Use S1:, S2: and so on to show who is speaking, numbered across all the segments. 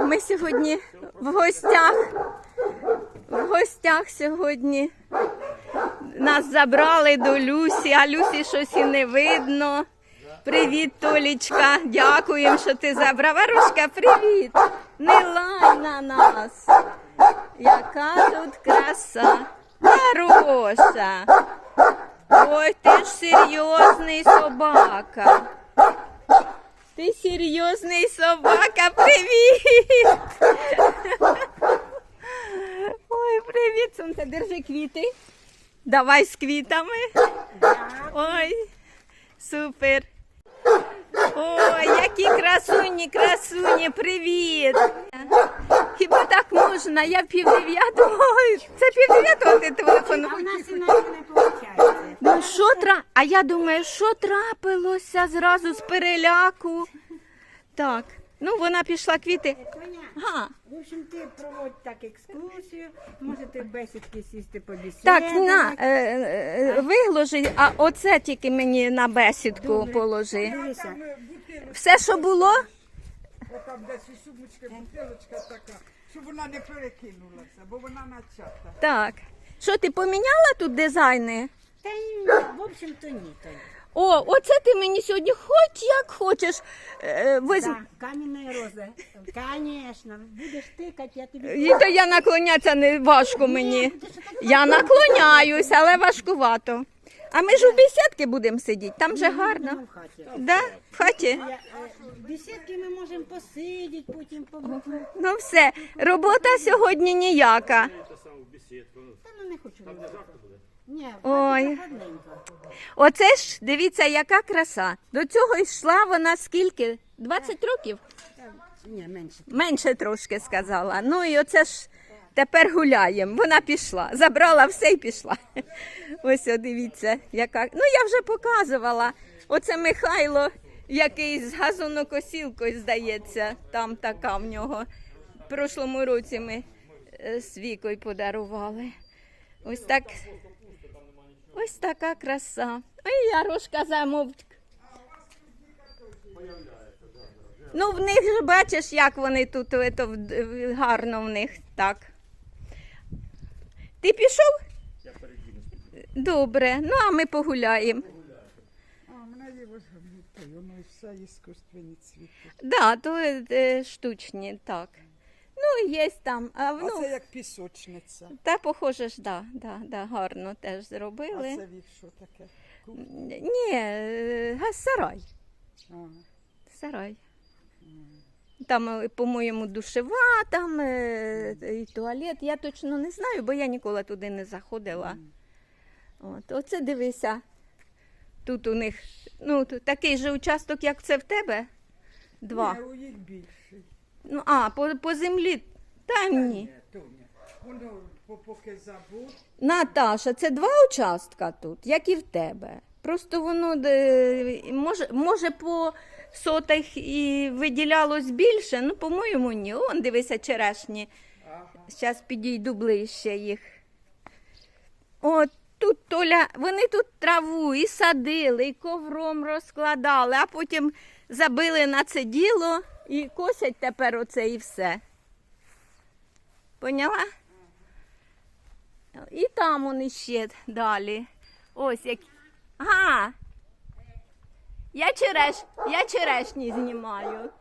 S1: ми сьогодні в гостях. В гостях сьогодні. Нас забрали до Люсі, а Люсі щось і не видно. Привіт, Толічка. Дякуємо, що ти забрав. Варушка, привіт. Не лай на нас. Яка тут краса. Хороша. Ой, ти ж серйозний собака. Ти серйозний собака. Привіт. Ой, привіт, сонце. Держи квіти. Давай з квітами. Ой, супер. Ой, які красуні, красуні, привіт. Хіба так можна? Я 8:30. Ой, це 8:30 ти телефонуєш.
S2: А в нас іначе не виходить.
S1: Ну що А я думаю, що трапилося зразу з переляку. Так, ну вона пішла квіти.
S2: Тоня,
S1: Ага.
S2: в общем, ти проводь так екскурсію, можете в бесідки сісти побесідати.
S1: Так, на, виложи, а оце тільки мені на бесідку
S2: Добре.
S1: положи.
S2: Дивися,
S1: Все, що було?
S3: Отам десь у сумочці бутилочка така, щоб вона не перекинулася, бо вона начата.
S1: Так. Що, ти поміняла тут дизайни?
S2: та й, в общем-то ні, Тоня.
S1: О, оце ти мені сьогодні хоч як хочеш.
S2: Так, кам'яна роза. Звісно, будеш тикати, я тобі...
S1: І то я наклонятися не важко мені. Я наклоняюсь, але важкувато. А ми ж у бесідки будемо сидіти, там же гарно.
S2: в хаті.
S1: Да? В хаті?
S2: В бесідки ми можемо посидіти, потім побути.
S1: Ну все, робота сьогодні ніяка.
S2: Та ну не хочу. Ні, в
S1: Ой.
S2: хаті гарненько.
S1: Оце ж, дивіться, яка краса. До цього йшла вона скільки? 20 років?
S2: Ні, менше.
S1: Менше трошки сказала. Ну і оце ж тепер гуляємо. Вона пішла, забрала все і пішла. Ось, о, дивіться, яка. Ну я вже показувала. Оце Михайло, який з газонокосілкою, здається, там така в нього. В прошлому році ми з Вікою подарували. Ось так. Ось така краса. Ой, Ярошка замовк. Ну, в них ж бачиш, як вони тут гарно в них так. Ти пішов? Я Добре, ну а ми погуляємо.
S3: А, в мене є ось гамнути, воно і все іскусственні цвіти.
S1: Да, то штучні, так. Ну, є там.
S3: А
S1: Ну,
S3: це як пісочниця.
S1: та похоже ж, да, гарно теж
S3: А
S1: зробили.
S3: це вік що таке?
S1: Ні, сарай.
S3: Ага.
S1: Сарай. Там, по-моєму, душева, там і туалет. Я точно не знаю, бо я ніколи туди не заходила. От, оце дивися. Тут у них, ну, тут такий же участок, як це в тебе? Два.
S3: Ні, у їх більший.
S1: Ну, по землі. Та ні.
S3: Тоня, воно поки забув.
S1: Наташа, це два участка тут, як і в тебе. Просто воно може по сотах і виділялось більше, ну, по-моєму, ні. Он, дивися, черешні. Зараз підійду ближче їх. От тут, Толя, вони тут траву і садили, і ковром розкладали, а потім забили на це діло і косять тепер оце і все. Поняла? І там вони ще далі. Ось як. Ага. Я черешні знімаю.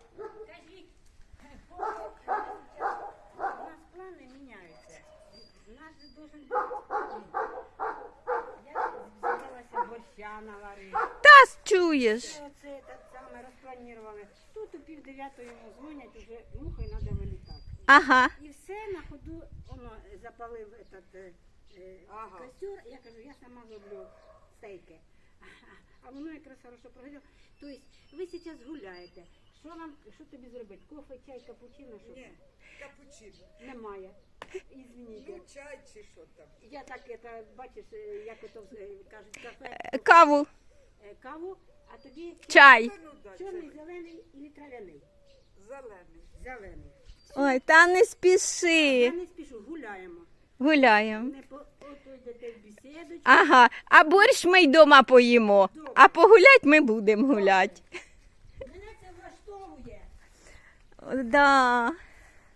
S2: У нас плани міняються. У нас же должен бути. Я взялася борща наварити.
S1: Та чуєш.
S2: Оце так саме розпланували. Тут у 8:30 йому дзвонять, уже мухою треба вилітати.
S1: Ага.
S2: І все на ходу, воно запалив этот костер. Я кажу, я сама зроблю стейки. А воно якраз хорошо прогоріло. Тобто ви зараз гуляєте. Що тобі зробити? Кофе, чай, капучино? Що?
S3: Ні, капучино.
S2: Немає. Ізвініть.
S3: Ну, чай чи що там.
S2: Я так, бачиш, як ото кажуть, кафе,
S1: Каву,
S2: каву, а тобі
S1: чай.
S3: Ну, да,
S2: чорний, зелений і трав'яний.
S3: зелений.
S2: Зелений.
S1: Ой, та не спіши.
S2: Я не спішу, гуляємо.
S1: Гуляємо.
S2: Не ото йдете в бесідочку.
S1: Ага, а борщ ми й дома поїмо. А погулять ми будемо гуляти.
S2: Мене це влаштовує.
S1: Да.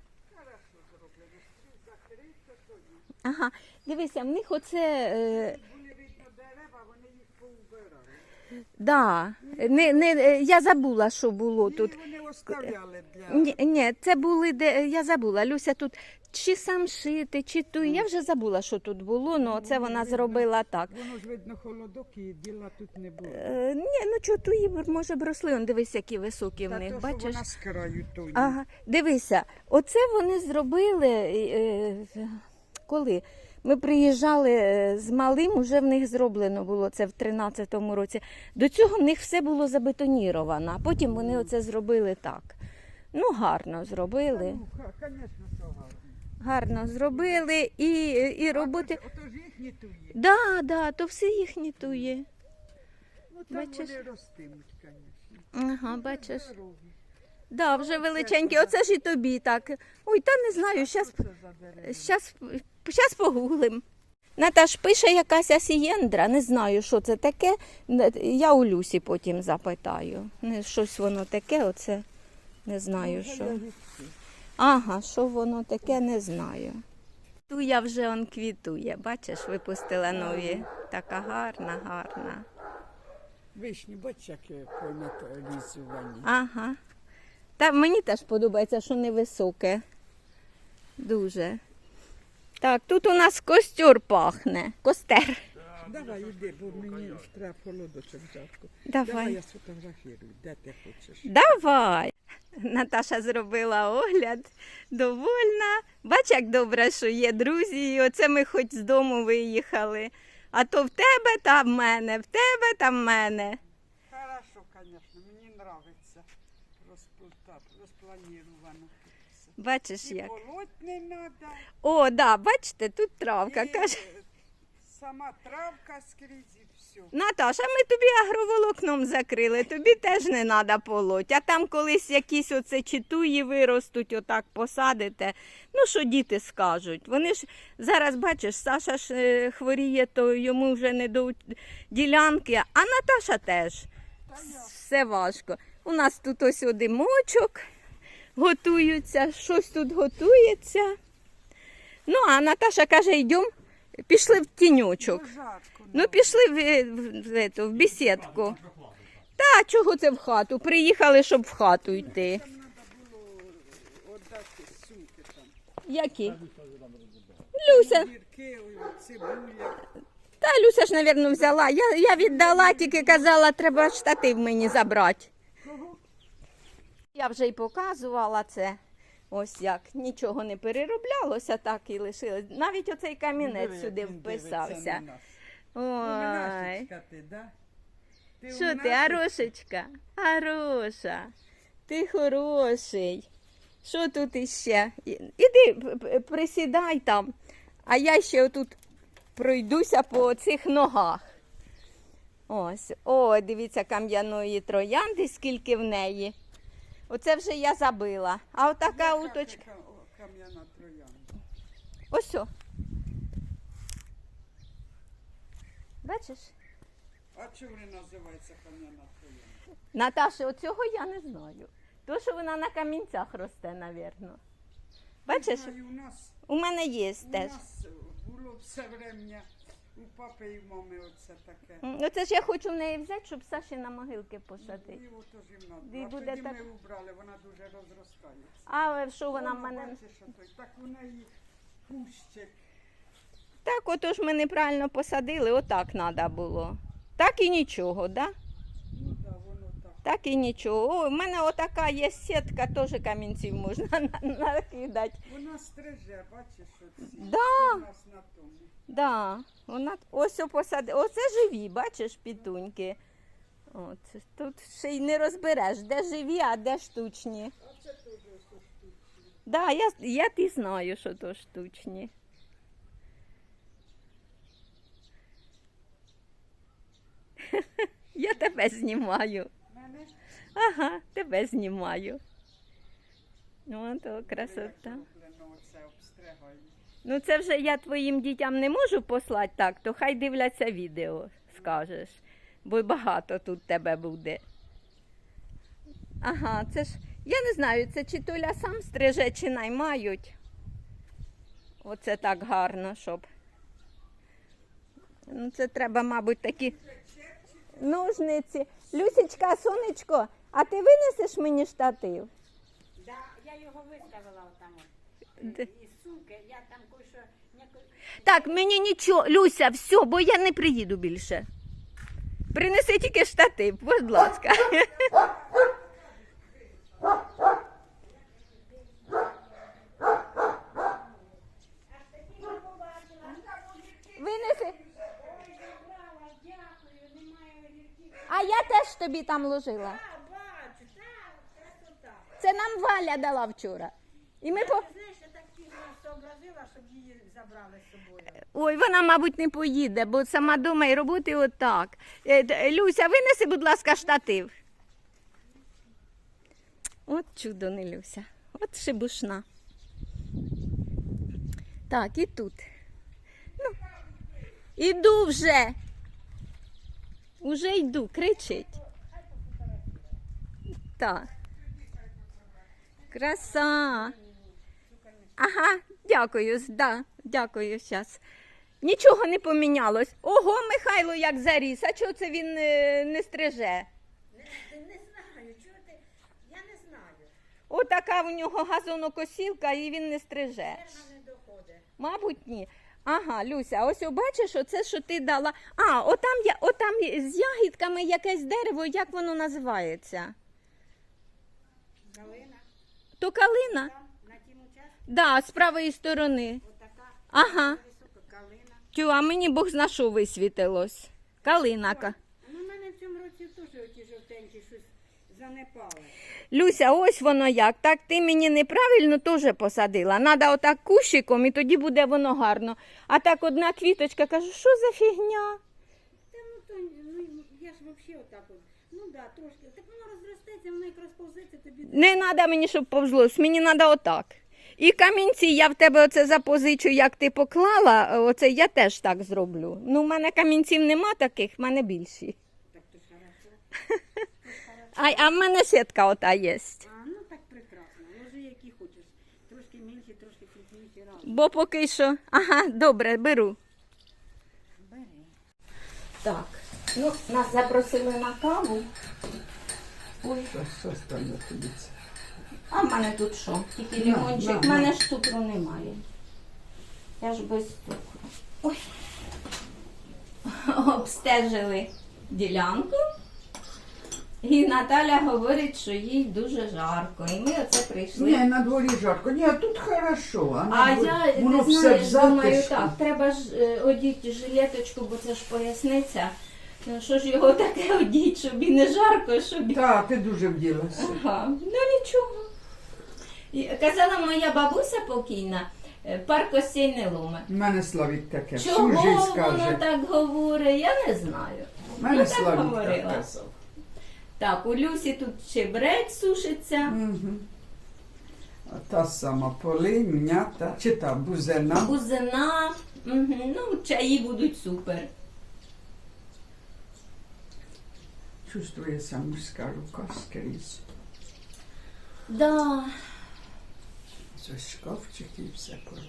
S1: Ага, дивися, в них оце.
S3: Були видно дерева, вони їх поубирали.
S1: Да, я забула, що було тут.
S3: Ні, вони оставляли для...
S1: Ні, це були, я забула, Люся тут чи самшити, чи ту. Я вже забула, що тут було, але це вона зробила так.
S3: Воно ж видно холодок і діла тут не було.
S1: Ні, ну чого туї, може, б росли, он дивись, які високі в
S3: Та
S1: них,
S3: то, що
S1: бачиш?
S3: вона з краю тої.
S1: Ага, дивися, оце вони зробили, коли ми приїжджали з малим, уже в них зроблено було це в 13-му році. До цього в них все було забетоніровано, а потім вони оце зробили так. Ну, гарно зробили.
S3: Ну, звісно, що гарно.
S1: Гарно зробили і роботи.
S3: Отож їхні туї.
S1: Да, то все їхні тує.
S3: Ну, там
S1: Бачиш?
S3: вони ростимуть, звісно.
S1: Ага, бачиш.
S3: Здорові.
S1: Да, вже величенькі. Оце ж і тобі так. Ой, та не знаю,
S3: Що це за дерева?
S1: щас погуглим. Наташ пише якась асієндра, не знаю, що це таке. Я у Люсі потім запитаю. Щось воно таке, оце не знаю, що. Ага, що воно таке, не знаю. Туя вже он квітує, бачиш, випустила нові. Така гарна, гарна.
S3: Вишні, бач, як полізувані.
S1: Ага. Та мені теж подобається, що невисоке. Дуже. Так, тут у нас костер пахне. Костер.
S3: Давай, іди, бо мені ж треба холодочок жарко.
S1: Давай.
S3: Я сфотографірую, де ти хочеш.
S1: Давай. Наташа зробила огляд. Довольна. Бач, як добре, що є друзі. І оце ми хоч з дому виїхали. А то в тебе та в мене, в тебе та в мене.
S3: Хорошо, звісно, мені подобається. Розпланіровано.
S1: Бачиш
S3: І
S1: як.
S3: полоть не треба.
S1: О, да, бачите, тут травка.
S3: І
S1: Каже,
S3: сама травка скрізь і все.
S1: Наташа, ми тобі агроволокном закрили, тобі теж не треба полоть. А там колись якісь оце читуї виростуть, отак посадите. Ну, що діти скажуть? Вони ж зараз, бачиш, Саша ж хворіє, то йому вже не до ділянки, а Наташа теж. Все важко. У нас тут ось димочок готуються, щось тут готується. Ну, а Наташа каже, йдемо, пішли в тіньочок.
S3: Ну, жарко.
S1: Ну, пішли в бесідку. Та, чого це в хату? Приїхали, щоб в хату йти.
S3: Там треба було віддати сумки там.
S1: Які? Люся.
S3: Гірки, цибуля.
S1: Та Люся ж, мабуть, взяла. Я віддала, тільки казала, треба штатив мені забрати.
S3: Кого?
S1: Я вже й показувала це. Ось як. Нічого не перероблялося, так і лишилось. Навіть оцей камінець
S3: Диви,
S1: сюди
S3: як він дивиться
S1: вписався.
S3: на нас.
S1: Ой.
S3: Умнашечка ти, да? Ти
S1: Що ти,
S3: умнашечка?
S1: Арошечка? Хороша. Ти хороший. Що тут іще? Іди присідай там, а я ще отут пройдуся по цих ногах. Ось. О, дивіться, кам'яної троянди, скільки в неї. Оце вже я забила. А отака
S3: Яка
S1: уточка.
S3: це кам'яна троянда?
S1: Ось. О. Бачиш?
S3: А чому вона називається кам'яна троянда?
S1: Наташа, оцього я не знаю. То, що вона на камінцях росте, напевно. Бачиш?
S3: Знаю, у нас,
S1: У мене є
S3: у
S1: теж.
S3: нас було все врем'я у папи і в мами оце таке.
S1: Оце ж я хочу в неї взяти, щоб Саші на могилки посадити.
S3: І ото ж їм
S1: І
S3: надо. А
S1: буде
S3: тоді
S1: так-
S3: ми убрали, вона дуже розростається.
S1: А що вона в
S3: Воно,
S1: мене?
S3: бачиш, ото, так у неї кущик.
S1: Так, ото ж ми неправильно посадили, отак треба було. Так і нічого, да?
S3: Ну так, воно так.
S1: Так і нічого. О, в мене отака є сітка, теж камінців можна накидати.
S3: Вона стриже, бачиш, оці.
S1: Да.
S3: У нас на тому.
S1: Да, вона ось посадила. Оце живі, бачиш, пітуньки. От, тут ще й не розбереш, де живі, а де штучні.
S3: А це теж ось штучні.
S1: Да, я ти знаю, що то штучні. Я тебе знімаю.
S3: Мене
S1: Ага, тебе знімаю. Ну, то красота.
S3: зроблено оце обстригаю.
S1: Ну, це вже я твоїм дітям не можу послати так, то хай дивляться відео, скажеш. Бо багато тут тебе буде. Ага, це ж, я не знаю, це чи Толя сам стриже, чи наймають. Оце так гарно, щоб. Ну, це треба, мабуть, такі ножниці. Люсічка, сонечко, а ти винесеш мені штатив?
S2: Да, я його виставила отам
S1: Де?
S2: із сумки, я там кое-що
S1: Так, мені нічого, Люся, все, бо я не приїду більше. Принеси тільки штатив, будь ласка. Винеси.
S2: дякую, немає огірків.
S1: А я теж тобі там ложила.
S2: Бачу, так, красота.
S1: Це нам Валя дала вчора. І ми по...
S2: Знаєш, я так пізно сообразила, щоб її забрали з собою.
S1: Ой, вона, мабуть, не поїде, бо сама дома і роботи отак. Люся, винеси, будь ласка, штатив. От чудо, не Люся. От шибушна. Так, і тут. Ну, іду вже. Уже йду, кричить. Так. Краса. Ага, дякую, да, дякую, щас. Нічого не помінялось. Ого, Михайло як заріс, а чого це він не стриже?
S2: Не знаю, чого ти, я не знаю.
S1: Отака в нього газонокосілка і він не стриже.
S2: Вона не доходить.
S1: Мабуть, ні. Ага, Люся, ось бачиш, оце, що ти дала. А, отам з ягідками якесь дерево, як воно називається?
S2: Галина,
S1: То калина?
S2: там, на тім участку,
S1: Да, з правої сторони.
S2: отака
S1: Ага.
S2: висока калина.
S1: Тю, а мені Бог зна що висвітилось. Калинака.
S2: Ну, у мене в цьому році теж оті жовтенькі щось занепали.
S1: Люся, ось воно як. Так ти мені неправильно теж посадила. Надо отак кущиком і тоді буде воно гарно. А так одна квіточка, кажу, що за фігня?
S2: Та ну то, ну я ж взагалі отак от. Ну да, трошки. Так воно розростеться, воно як розповзеться, тобі.
S1: Не треба мені, щоб повзлось, мені треба отак. І камінці я в тебе оце запозичу, як ти поклала, оце я теж так зроблю. Ну, в мене камінців нема таких, в мене більші.
S2: Так то ж хорошо.
S1: А в мене сітка ота є.
S2: А, ну так прекрасно. Ложи які хочеш. Трошки менші, трошки крупніші разом.
S1: Бо поки що. Ага, добре, беру.
S2: Бери.
S1: Так, ну, нас запросили на каву. Ой,
S3: Що стане тобі це?
S1: а в мене тут що? Тільки
S3: На,
S1: лимончик.
S3: на,
S1: В мене ж цукру немає. Я ж без цукру. Ой. Обстежили ділянку. І Наталя говорить, що їй дуже жарко. І ми оце прийшли.
S3: Ні, на дворі жарко. Ні, тут хорошо.
S1: А
S3: на дворі-
S1: я,
S3: воно
S1: ти
S3: все
S1: знаєш,
S3: в
S1: думаю,
S3: затишку.
S1: так, треба ж одіти жилеточку, бо це ж поясниця. Ну, що ж його таке одіть, щоб і не жарко, щоб і...
S3: Так, ти дуже вділася.
S1: Ага, ну нічого. І казала моя бабуся покійна, пар костей не ломе.
S3: У мене Славік таке. Всю
S1: Чого
S3: жизнь
S1: воно
S3: каже.
S1: так говорить, я не знаю.
S3: У мене
S1: Ну, так
S3: Славік
S1: говорила.
S3: так казав.
S1: Так, у Люсі тут чебрець сушиться.
S3: Угу. А та сама полинь, м'ята, чи та бузина.
S1: Бузина, ну, чаї будуть супер.
S3: Чувствується мужська рука скрізь.
S1: Да.
S3: Ось шкафчик і все поробить.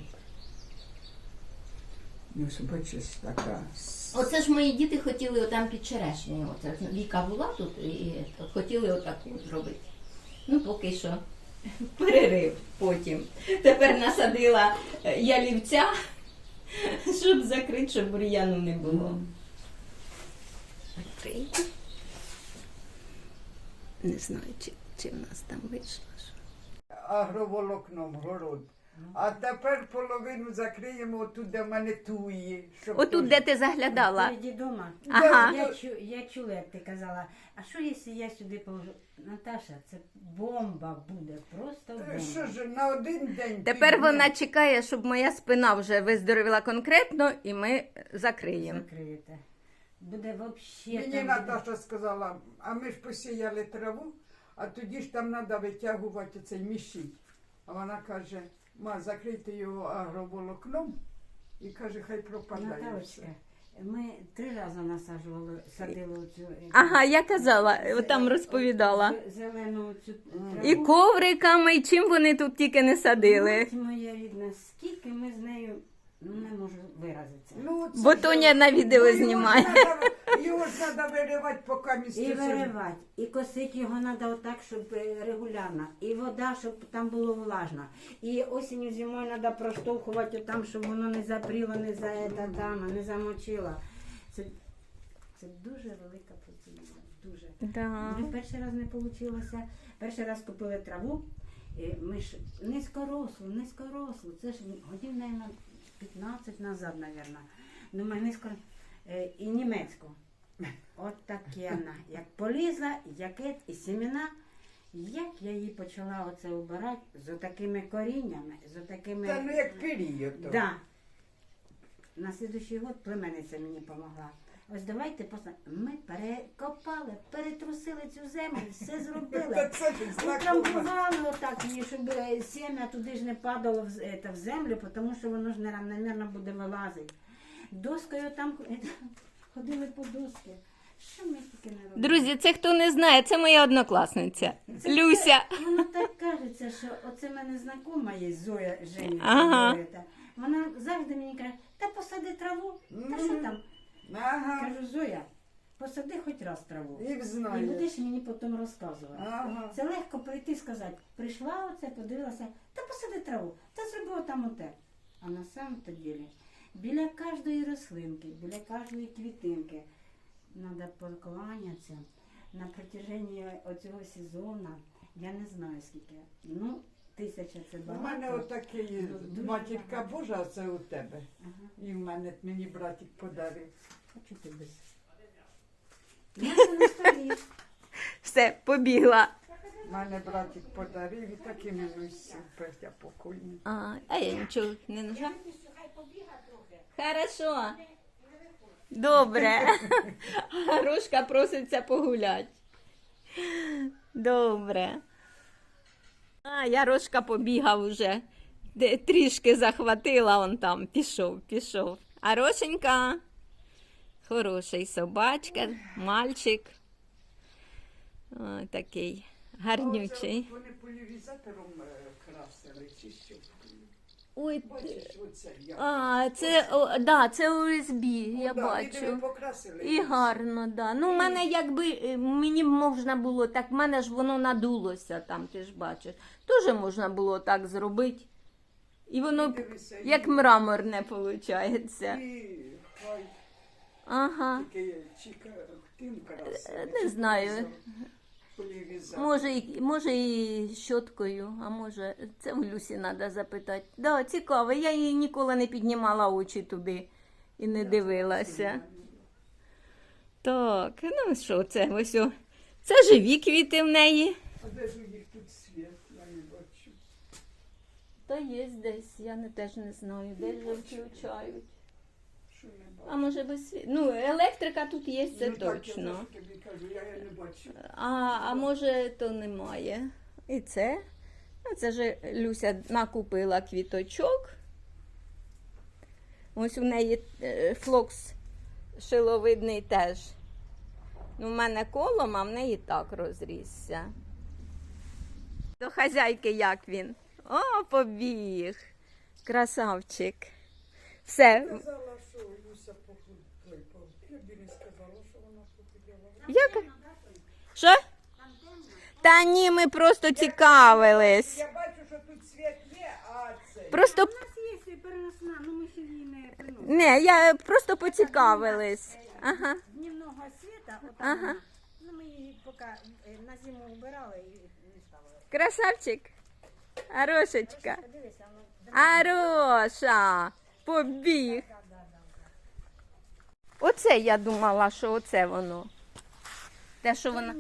S3: Ну, бачиш, така.
S1: Оце ж мої діти хотіли отам під черешнею. Оце Віка була тут і хотіли отаку зробити. Ну, поки що перерив потім. Тепер насадила ялівця, щоб закрити, щоб бур'яну не було. Не знаю, чи в нас там вийшло.
S3: Агроволокном город. А тепер половину закриємо отут, де в мене туї. щоб
S1: Отут, де ти заглядала.
S2: Переді дома.
S1: Ага.
S2: Я чула, як ти казала, а що якщо я сюди положу? Наташа, це бомба буде, просто бомба.
S3: Що ж, на один день.
S1: Тепер
S3: підняти.
S1: вона чекає, щоб моя спина вже виздоровіла конкретно, і ми закриємо.
S2: Закриєте. Буде взагалі.
S3: Мені Наташа сказала, а ми ж посіяли траву, а тоді ж там треба витягувати цей мішій. А вона каже, ма, закрийте його агроволокном і каже, хай пропадає все.
S2: Наталочка, Ми 3 рази насаджували, садили оцю
S1: Ага, я казала, там розповідала.
S2: зелену цю траву.
S1: І ковриками, і чим вони тут тільки не садили.
S2: Мать моя рідна, скільки ми з нею, не можу виразитися.
S3: Ну, це
S1: Бо
S3: ж-
S1: Тоня на відео
S3: його ж
S1: знімає.
S3: Його ж треба виривати, поки місце.
S2: І виривати, і косити його треба отак, щоб регулярно. І вода, щоб там було влажно. І осінню, зимою треба проштовхувати там, щоб воно не запріло, не замочило. Це дуже велика процедура. Дуже.
S1: Да.
S2: Ну, перший раз не вийшло. Перший раз купили траву. І ми ж низькорослу. Це ж годин, мабуть, 15 назад, мабуть. Думаю, і німецьку. От таке вона. Як полізла, якет і семена. Як я її почала оце убирати з такими коріннями, з такими...
S3: Та ну як період. то.
S2: Да. На слідуючий год племенниця мені допомогла. Ось давайте ми перекопали, перетрусили цю землю, все
S3: Та
S2: зробили.
S3: це ж знакомо.
S2: Утрамбували отак її, щоб сім'я туди ж не падало в землю, тому що воно ж неравномірно буде вилазити. Доскою там ходили по доски. Що ми тільки не робили?
S1: Друзі, це хто не знає, це моя однокласниця. Люся.
S2: Воно так кажеться, що оце в мене знакома є Зоя Женя.
S1: Ага.
S2: Вона завжди мені каже, та посади траву, та що там?
S3: Ага.
S2: Кажу, Зоя, посади хоч раз траву.
S3: І
S2: І
S3: знаю.
S2: будеш мені потім розказувати.
S3: Ага.
S2: Це легко прийти і сказати, прийшла оце, подивилася, та посади траву, та зроби там оте. А на самом-то ділі, біля кожної рослинки, біля кожної квітинки треба поклонятися на протяженні оцього сезону, я не знаю скільки, 1000 це
S3: У
S2: багато.
S3: мене отакий
S2: Дуже
S3: матірка
S2: багато.
S3: Божа, а це у тебе.
S2: Ага.
S3: І в мене мені братик подарив.
S2: Хочу ти без. Я це на столі.
S1: Все, побігла.
S3: У мене братик подарив і такими ну супер, я покойний.
S1: А я нічого не нажала. Хорошо. Добре. Грушка проситься погулять. Добре. Ярошка побігав уже. Трішки захватила, он там пішов. А Рошенька хороший собачка, мальчик. О, такий гарнючий.
S3: Оце вони поляризатором красили, чи що?
S1: Ой,
S3: Бачиш, оце я.
S1: це USB, я
S3: Ну, да, і диви,
S1: бачу.
S3: покрасили.
S1: І гарно, да. Ну, в мене якби мені можна було так, в мене ж воно надулося там, ти ж бачиш. Дуже можна було так зробити. І воно
S3: Дивися,
S1: як мраморне виходить.
S3: І хай
S1: Ага.
S3: тільки чіка тим красили.
S1: Не знаю.
S3: Поляризатор.
S1: Може і щоткою, а може, це в Люсі треба запитати. Да, цікаво, я її ніколи не піднімала очі туди і не дивилася. Так, ну що, це ось. Це живі квіти в неї.
S3: А де ж у них тут світ? Я не бачу.
S1: Та є десь, я теж не знаю, де вже включають.
S3: Що не бачу?
S1: А може без світу? Ну, електрика тут є, це
S3: Ну, так, я
S1: точно.
S3: ж тобі кажу, я не бачу.
S1: А може то немає. І це. Ну, це ж Люся накупила квіточок. Ось у неї флокс шиловидний теж. Ну, в мене колом, а в неї так розрісся. До хазяйки як він? О, побіг. Красавчик. Все.
S3: Сказала, що Люся похудла. Я б не сказала, що вона похудела.
S1: Як? Що? Та ні, ми просто цікавились.
S3: Я бачу, що тут світ є, а це...
S1: Просто
S2: У нас є переносна, ну ми ще її не приносимо.
S1: не, я просто поцікавились. Ага.
S2: Дневного світа, отак,
S1: Ага.
S2: ну ми її поки на зиму убирали і не ставили.
S1: Красавчик. Арошечка.
S2: Подивися, воно
S1: Ароша. Побіг. Оце я думала, що оце воно. Те, що воно.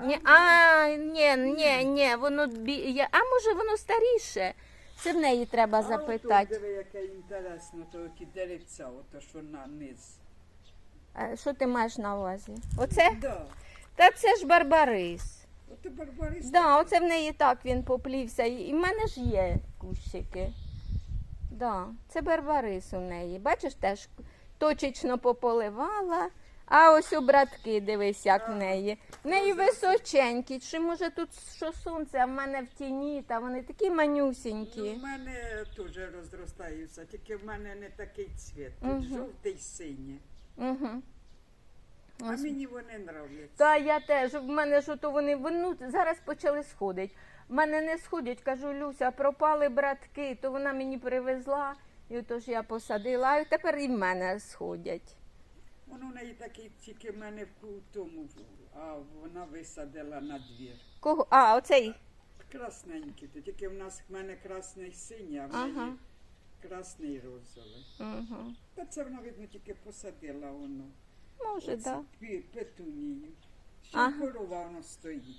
S1: Ні, воно а може воно старіше. Це в неї треба запитати.
S3: Диви, яке інтересно, то ті деревця, ото що на низ.
S1: А що ти маєш на увазі? Оце?
S3: Да.
S1: Та це ж барбарис.
S3: Ото барбарис.
S1: Да, оце в неї так він поплівся. І в мене ж є кущики. Да, це барбарис у неї. Бачиш, теж точечно пополивала. А ось у братки, дивись, як в неї. В неї височенькі. Чи може тут що сонце, а в мене в тіні, та вони такі
S3: Ну,
S1: манюсінькі.
S3: в мене теж розростаються, тільки в мене не такий цвіт. Тут жовтий, синій.
S1: Угу.
S3: А мені вони нравляться.
S1: Та я теж, в мене ж ото вони зараз почали сходити. В мене не сходять, кажу, Люся, пропали братки, то вона мені привезла, і отож я посадила, а тепер і в мене сходять.
S3: Воно в неї такий, тільки в мене в тому, а вона висадила на двір.
S1: Кого? А, оцей.
S3: Красненький, то тільки в нас в мене красний синій, а в
S1: Ага.
S3: неї красний розовий.
S1: Угу.
S3: Та це вона, видно, тільки посадила воно.
S1: Може,
S3: Оце
S1: так.
S3: Петунію. Ще
S1: Ага.
S3: корова воно стоїть.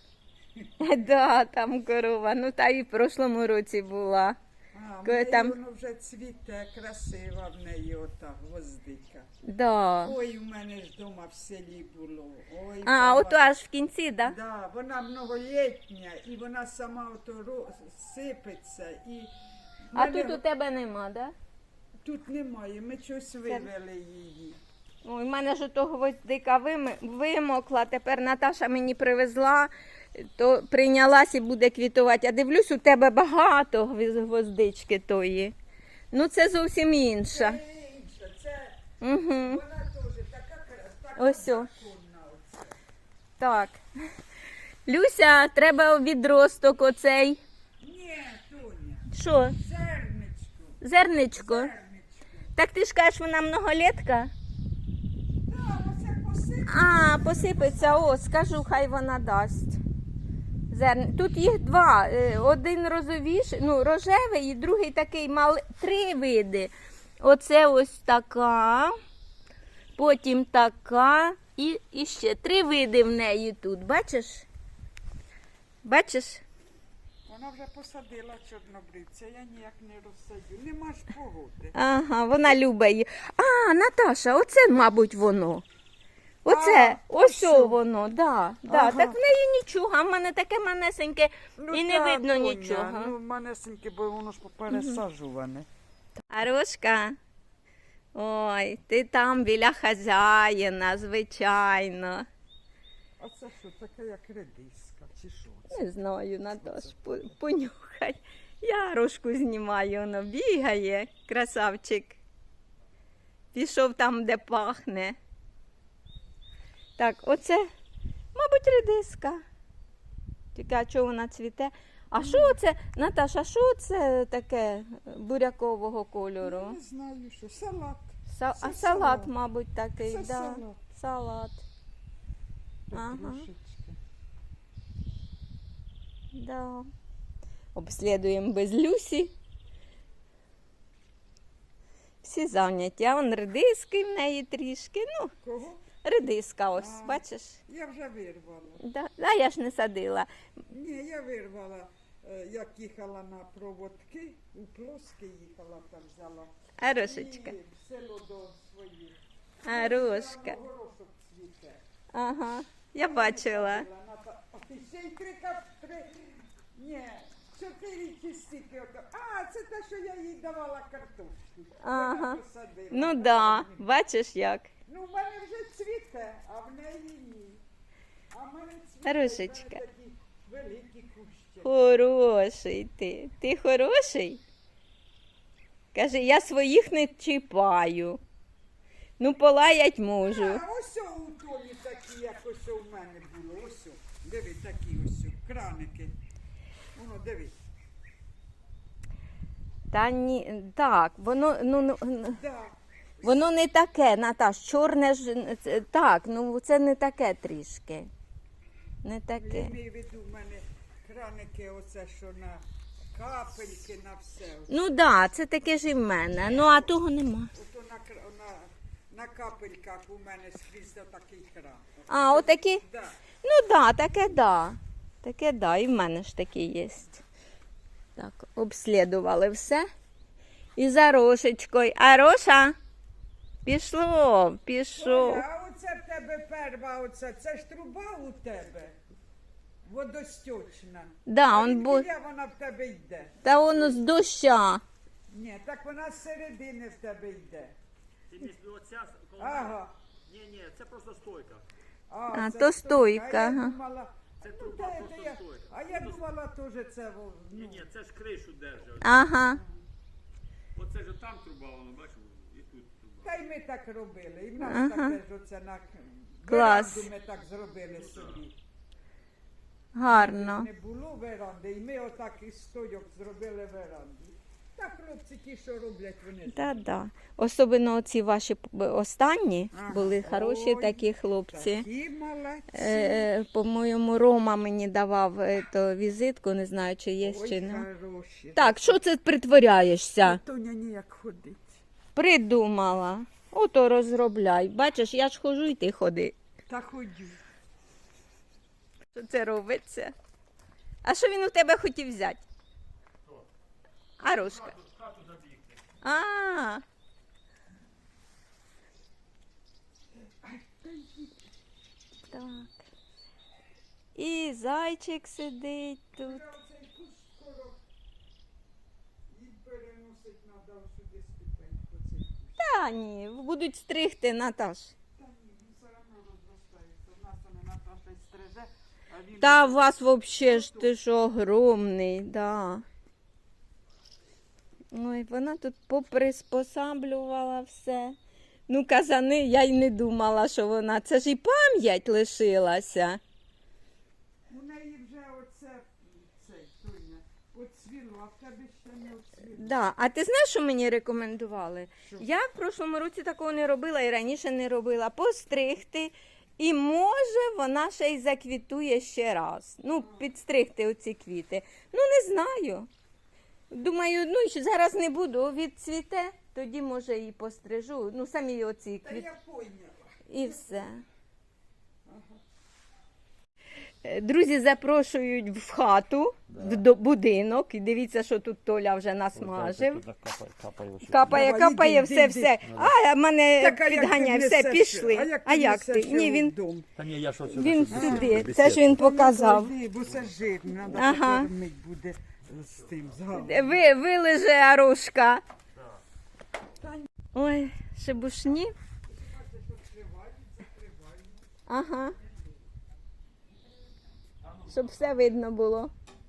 S1: Да, там корова, ну та і в прошлому році була.
S3: А, в
S1: Коли
S3: неї
S1: там-
S3: воно вже цвіте, красива в неї ота гвоздика.
S1: Да.
S3: Ой, у мене ж вдома в селі було. Ой,
S1: А,
S3: баба.
S1: ото аж в кінці, да?
S3: Да, вона многолітня, і вона сама ото сипеться. І в
S1: А
S3: мене
S1: тут у тебе нема, да?
S3: тут немає, ми щось вивели її.
S1: Ой, в мене ж ото гвоздика вимокла, тепер Наташа мені привезла, то прийнялась і буде квітувати. А дивлюсь, у тебе багато гвоздички тої. Ну це зовсім інша.
S3: Це інша, це
S1: Угу.
S3: вона теж така
S1: Ось о.
S3: законна оце.
S1: Так. Люся, треба відросток оцей.
S3: Ні, Тоня,
S1: Що?
S3: зерничко,
S1: Зерничко.
S3: зерничко.
S1: Так ти ж кажеш, вона многолетка?
S3: Да, оце посип.
S1: А, посипеться, о, скажу, хай вона дасть. Тут їх два. Один розовіший, ну, рожевий і другий такий малий. 3 види. Оце ось така, потім така і ще 3 види в неї тут. Бачиш? Бачиш?
S3: Вона вже посадила чорнобривця, я ніяк не розсадю. Нема ж погоди.
S1: Ага, вона любить її. А, Наташа, оце, мабуть, воно. Оце,
S3: А,
S1: ось
S3: ось.
S1: воно, да, да.
S3: Ага.
S1: Так в неї нічого, а в мене таке манесеньке і не
S3: та,
S1: видно
S3: Тоня,
S1: нічого.
S3: Ну, манесеньке, бо воно ж попересаджуване.
S1: Арошка, ой, ти там біля хазяїна, звичайно.
S3: А це що, таке як редиска, чи що це?
S1: Не знаю, Наташ, понюхай. Я Арошку знімаю, воно бігає, красавчик. Пішов там, де пахне. Так, оце, мабуть, редиска. Тільки, а чого вона цвіте? А що це, Наташа, що це таке бурякового кольору?
S3: Я не знаю, що, салат.
S1: А
S3: Це
S1: салат,
S3: салат.
S1: мабуть, такий,
S3: Це
S1: да.
S3: салат.
S1: Салат. Ага.
S3: Петрушечка.
S1: Да. Обслідуємо без Люсі. Всі зайняті. А вон редиски в неї трішки. Ну,
S3: Кого?
S1: редиска ось,
S3: А.
S1: бачиш?
S3: Я вже вирвала.
S1: Да. А я ж не садила.
S3: Ні, я вирвала, як їхала на проводки, у Плоске їхала, там взяла.
S1: Арошечка.
S3: І в село до своїх.
S1: Арошка.
S3: Там горошок цвіте.
S1: Ага. Я бачила.
S3: А ти ще й 3 каптри. Ні, 4 чи стільки. А, це те, що я їй давала картошку.
S1: Ага.
S3: Вона посадила.
S1: Ну да, бачиш як.
S3: Ну, в мене вже цвіте, а в неї ні. А в мене цвіте,
S1: Рушечка.
S3: в мене такі великі кущі.
S1: Хороший ти. Ти хороший? Каже, я своїх не чіпаю. Ну, полаять можу.
S3: А ось у Тоні такі, як ось у мене було. Ось, диви, такі ось краники. Воно, диви.
S1: Та ні, так, воно,
S3: Да.
S1: воно не таке, Наташ, чорне ж, так, ну це не таке трішки. Не
S3: Я
S1: таке.
S3: маю в виду, в мене краники, оце, що на капельки, на все.
S1: Ну так, да, це таке ж і в мене, ну а того нема.
S3: Ото на капельках у мене скрізь такий кран.
S1: А, отакі?
S3: Да.
S1: Ну да, таке да. Таке да, і в мене ж такі є. Так, обслідували все. І за Рошечкою. А Роша? Пішло, пішов.
S3: Оля, а оце в тебе перва, оце, це ж труба у тебе. Водостічна.
S1: Да, он бу...
S3: Звідкіля вона в тебе йде?
S1: Та воно з доща.
S3: Ні, так вона з середини в тебе йде.
S4: Ти між оця коло
S3: Ага.
S4: Ні, це просто стойка.
S1: А,
S3: це
S1: то
S3: стойка.
S1: стойка,
S3: А я
S1: ага.
S3: думала,
S4: Це
S3: ну,
S4: труба,
S3: та,
S4: просто
S3: я,
S4: стойка.
S3: а я думала теж це, ну,
S4: Ні, це ж кришу держить.
S1: Ага.
S4: Оце ж там труба, воно, бачиш, і тут труба.
S3: та й ми так робили. І в нас
S1: Ага.
S3: таке ж оце на
S1: Клас.
S3: веранду ми так зробили собі.
S1: Гарно.
S3: Не було веранди, і ми отак із стойок зробили веранду. Так хлопці ті, що роблять, вони ж.
S1: Да. Особливо ці ваші останні
S3: Ага.
S1: були хороші
S3: Ой,
S1: такі хлопці.
S3: Такі молодці.
S1: По-моєму, Рома мені давав візитку, не знаю, чи є,
S3: Ой,
S1: чи не.
S3: хороші.
S1: Так, що це притворяєшся?
S3: Тоня ніяк ходить.
S1: Придумала. Ото розробляй. Бачиш, я ж хожу і ти ходи.
S3: Та ходю.
S1: Що це робиться? А що він у тебе хотів взяти? Арушка.
S4: Хату забігти.
S1: А. Так. І зайчик сидить тут.
S3: Оцей куст скоро їм переносить треба сюди ступеньку. Цей куст.
S1: Та ні, будуть стригти, Наташ.
S3: Та ні, він все одно розростається. В нас вони Наташа й стриже, а він...
S1: Та у вас взагалі ж ти ж огромний, да. Ой, вона тут поприспосаблювала все. Ну, казани, я й не думала, що вона. Це ж і пам'ять лишилася.
S3: У неї вже оце, цей, Тоня, оцвіло, а в тебе ще не оцвіло.
S1: Да. А ти знаєш, що мені рекомендували?
S3: Що?
S1: Я в прошлому році такого не робила і раніше не робила. Постригти. І може вона ще й заквітує ще раз. Ну, підстригти оці квіти. Ну, не знаю. Думаю, ну що зараз не буду, відцвіте, тоді може і пострижу. Ну, самі оці
S3: Та
S1: квіти.
S3: я поняла.
S1: І все. Друзі запрошують в хату, в будинок. І дивіться, що тут Толя вже насмажив. Капає,
S3: Давай,
S1: капає,
S3: іди,
S1: все,
S3: іди.
S1: все. А мене
S3: Так, а як
S1: підганяє,
S3: ти
S1: все,
S3: несеш?
S1: пішли. А як ти? Ні, він
S3: Вдома?
S4: Та ні, я що це?
S1: він сюди. Це ж він показав.
S3: Ой, бо це жирно, треба
S1: Ага.
S3: покормити буде з тим, з галом.
S1: Вилеже Арушка. Ой, шебушні. Ага. Щоб все видно було.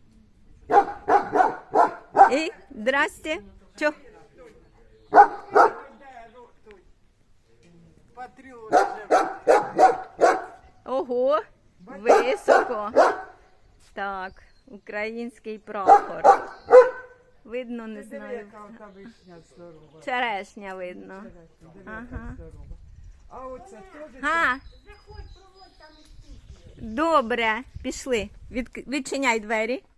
S1: І, здрасте. Чо?
S3: Патріот живе.
S1: Ого, високо. Так, український прапор. Видно, не
S3: Диви,
S1: знаю.
S3: яка ота вишня здорова.
S1: Черешня видно.
S3: Диви,
S1: Ага.
S3: яка здорова. А оце теж...
S1: Га. Добре, пішли. Відчиняй двері.